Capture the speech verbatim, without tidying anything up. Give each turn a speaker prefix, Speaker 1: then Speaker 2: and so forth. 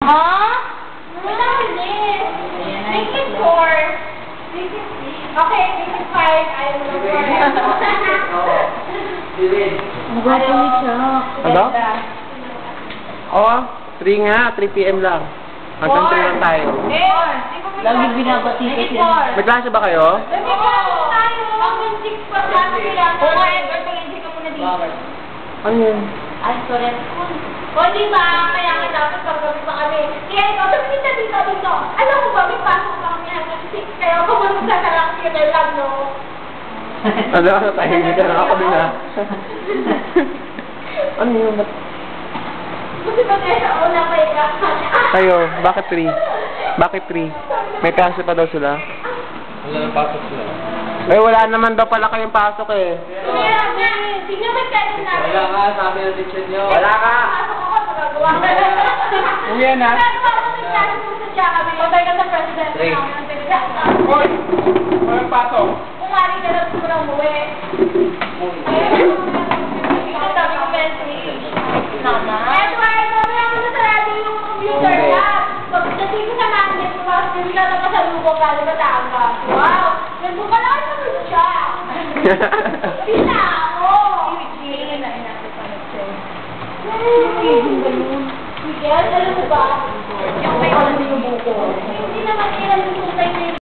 Speaker 1: Ha? Wala ulit. Make it four. Make it six. Okay, make it five. I will go for it.
Speaker 2: Magwapo ni Chuck.
Speaker 3: Ano? Oo, three nga, three P M lang. Hanggang three lang tayo.
Speaker 2: Lagi binabati ko siya.
Speaker 3: May klase ba kayo?
Speaker 1: May klase tayo. Hanggang six pa klase kailangan. Oo nga, Edward, pag-enjoy ka muna dito.
Speaker 3: Ano yun?
Speaker 2: Ay, sorry.
Speaker 1: O, di ba? Kaya nga dapat paggabi pa kami. Kaya ikaw, sabi dito, dito, dito. Alam mo ba, may pasok pa kami hanggang six. Kaya ako mamunta sa lang theater lang, no?
Speaker 3: Ano, ano tayo? Hindi ka nakakabing na. Ano yun?
Speaker 1: Kasi ba tayo sa una pa ikaw?
Speaker 3: Kayo, bakit three? Bakit three? May klase pa daw sila?
Speaker 4: Wala nang pasok sila.
Speaker 3: Eh, wala naman daw pala kayong pasok eh.
Speaker 1: Kaya nga, tingnan mo tayo namin.
Speaker 4: Wala ka, sabi ng teacher niyo.
Speaker 3: Wala ka!
Speaker 1: Pasok ako, magagawa ka.
Speaker 3: Uwi na.
Speaker 1: Nagawa ko ng klase mo sa siya kami. Patay ka sa president.
Speaker 4: Three.
Speaker 3: Hoy! Walang pasok.
Speaker 1: Umari ka na siguro umuwi. Ito sabi ko message.
Speaker 2: Nama.
Speaker 1: Edward, sabi ako na sa radio yung computer lab. Pagdating ko sa namin, hindi na naman sa lubog galing Batangas. Wow! Nagbukalaki naman siya. Hindi na ako. Hindi na inasip pa nag-check. Miguel, alam mo ba? Yung may alam yung buko.